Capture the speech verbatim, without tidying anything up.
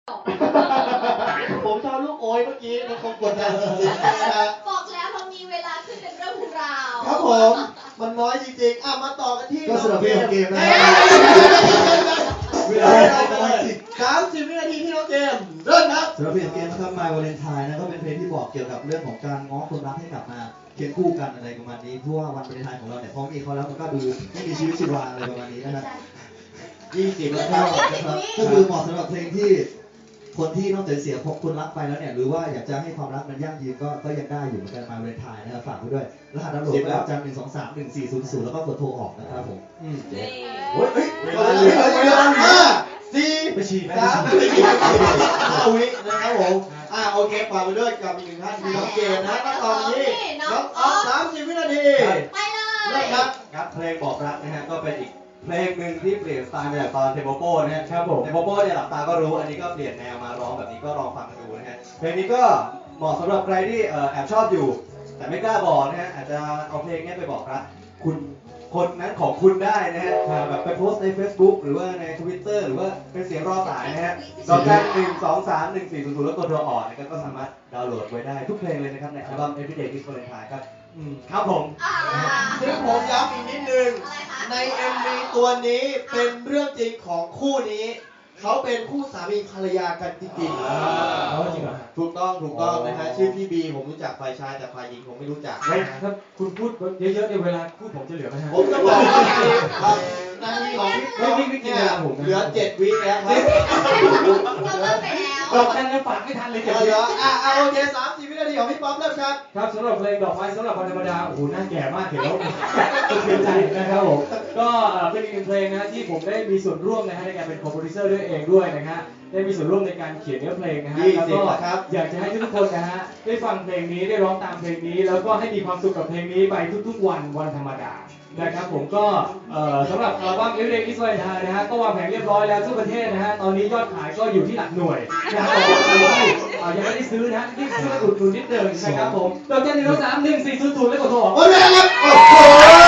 ผมชอบลูกโอยเมื่อกี้มันคงกดดันจริงๆนะฮะบอกแล้วเรามีเวลาขึ้นเป็นเรื่องเป็นราวครับผมมันน้อยจริงๆอ่ะมาต่อกันที่ก็สำหรับเกมเกมนะเวลาสามสิบวินาทีที่น้องเกมเริ่มครับสำหรับเพลงเกมนะครับ My Valentine นะก็เป็นเพลงที่บอกเกี่ยวกับเรื่องของการง้อคนรักให้กลับมาเคียงคู่กันอะไรประมาณนี้เพราะว่าวันวาเลนไทน์ของเราเนี่ยพอมีเขาแล้วมันก็ดูไม่มีชีวิตชีวาอะไรประมาณนี้นะครับยี่สิบแล้แล้ว วก็ครับนะครับก็คือเหมาะสำหรับเพลงที่คนที่นอกจากเสียคนรักไปแล้วเนี่ยหรือว่าอยากจะให้ความรักมันยั่งยืนก็ก็ยังได้อยู่เหมือนกัน My Valentine นะครับฝากไว้ด้วยรหัสดาวน์โหลดแล้วจันหนึ่งสองสามหนึ่งสี่ศูนย์ศูนย์แล้วก็กดโทรออกนะครับผมอืมนี่โอ้ยเฮ้ยเวลาเหลือเวลาห้าสี่ไปฉี่ไปสามไปสี่ฉี่ห้าวินะครับผมอ่าโอเคฝากไปด้วยกับอีกหนึ่งท่านคือน้องเกมนะก็ตอนนี้น้องออฟสามสิบวินาทีไปเลเริ่ยมครับครับเพลงบอกรักนะฮะก็เป็นอีกเพลงหนึ่งที่เปลี่ยนสไตล์มาจากตอนเทโปโป้นะฮะครับผมเทโปโป้เนี่ยหลับตาก็รู้อันนี้ก็เปลี่ยนแนวมาร้องแบบนี้ก็ลองฟังกันดูนะฮะเพลงนี้ก็เหมาะสำหรับใครที่เอ่อแอบชอบอยู่ แต่ไม่กล้าบอกนะฮะอาจจะเอาเพลงนี้ไปบอกรักคุณคนนั้นของคุณได้นะฮะแบบไปโพสต์ใน Facebook หรือว่าใน Twitter หรือว่าเป็นเสียงรอสายนะฮะดอกจันหนึ่งสองสามหนึ่งสี่ศูนย์ศูนย์แล้วกดโทรออกนะครับก็สามารถดาวน์โหลดไว้ได้ทุกเพลงเลยนะครับในอัลบั้ม Everyday is Valentine ครับอืมครับผมอ่าซึ่งผมย้ำอีกนิดนึงอะไรคะใน เอ็ม วี ตัวนี้เป็นเรื่องจริงของคู่นี้ เขาเป็นคู่สามีภรรยากันจริงเอาจริงเหรอๆถูกต้องถูกต้องนะฮะชื่อพี่บีผมรู้จักฝ่ายชายแต่ฝ่ายหญิงผมไม่รู้จักแล้วนะฮะถ้าคุณพูดเยอะๆในเวลาพูดผมจะเหลือไหมฮะผมจะบอกว่าครับนาทีของพี่ไม่ไม่ไม่กินเวลาผมนะเหลือเจ็ดวิแล้วครับเราเลิกไปแล้วดอกจันยังฝากไม่ทันเลยเหเดี๋ยวลืออ่ะอ่ะโอเคสามสิบวินาทีของพี่ป๊อปเริ่มครับครับสำหรับเพลงดอกไม้สำหรับวันธรรมดาโอ้โหน่าแก่มากเห็นแล้วสะเทือนใจนะครับผมก็เอ่อเป็นอีกหนึ่งเพลงนะฮะที่ผมได้มีส่วนร่วมนะฮะในการเป็นคอมโพสิเซอร์ด้วยเองด้วยนะฮะได้มีส่วนร่วมในการเขียนเนื้อเพลงนะฮะยี่แล้วสิบก็นะครับอยากจะให้ทุกๆคนนะฮะได้ฟังเพลงนี้ได้ร้องตามเพลงนี้ แล้วก็ให้มีความสุขกับเพลงนี้ไปทุกๆวันวันธรรมดานะครับผมก็เอ่อสำหรับอัลบั้ม Everyday is Valentine นะฮะก็วางแผนเรียบร้อยแล้วทั่วประเทศนะฮะตอนนี้ยอดขายก็อยู่ที่หลักหน่วยนะฮะแต่ว่าใครที่เอ่อยังไม่ได้ซื้อนะฮะรีบซื้อมาอุดหนุนนิดเดิมนะครับผมดอกจันหนึ่งสองสามหนึ่งสี่ศูนย์ศูนย์แล้วกดโทรออกหมดเวลาครับโอ้โห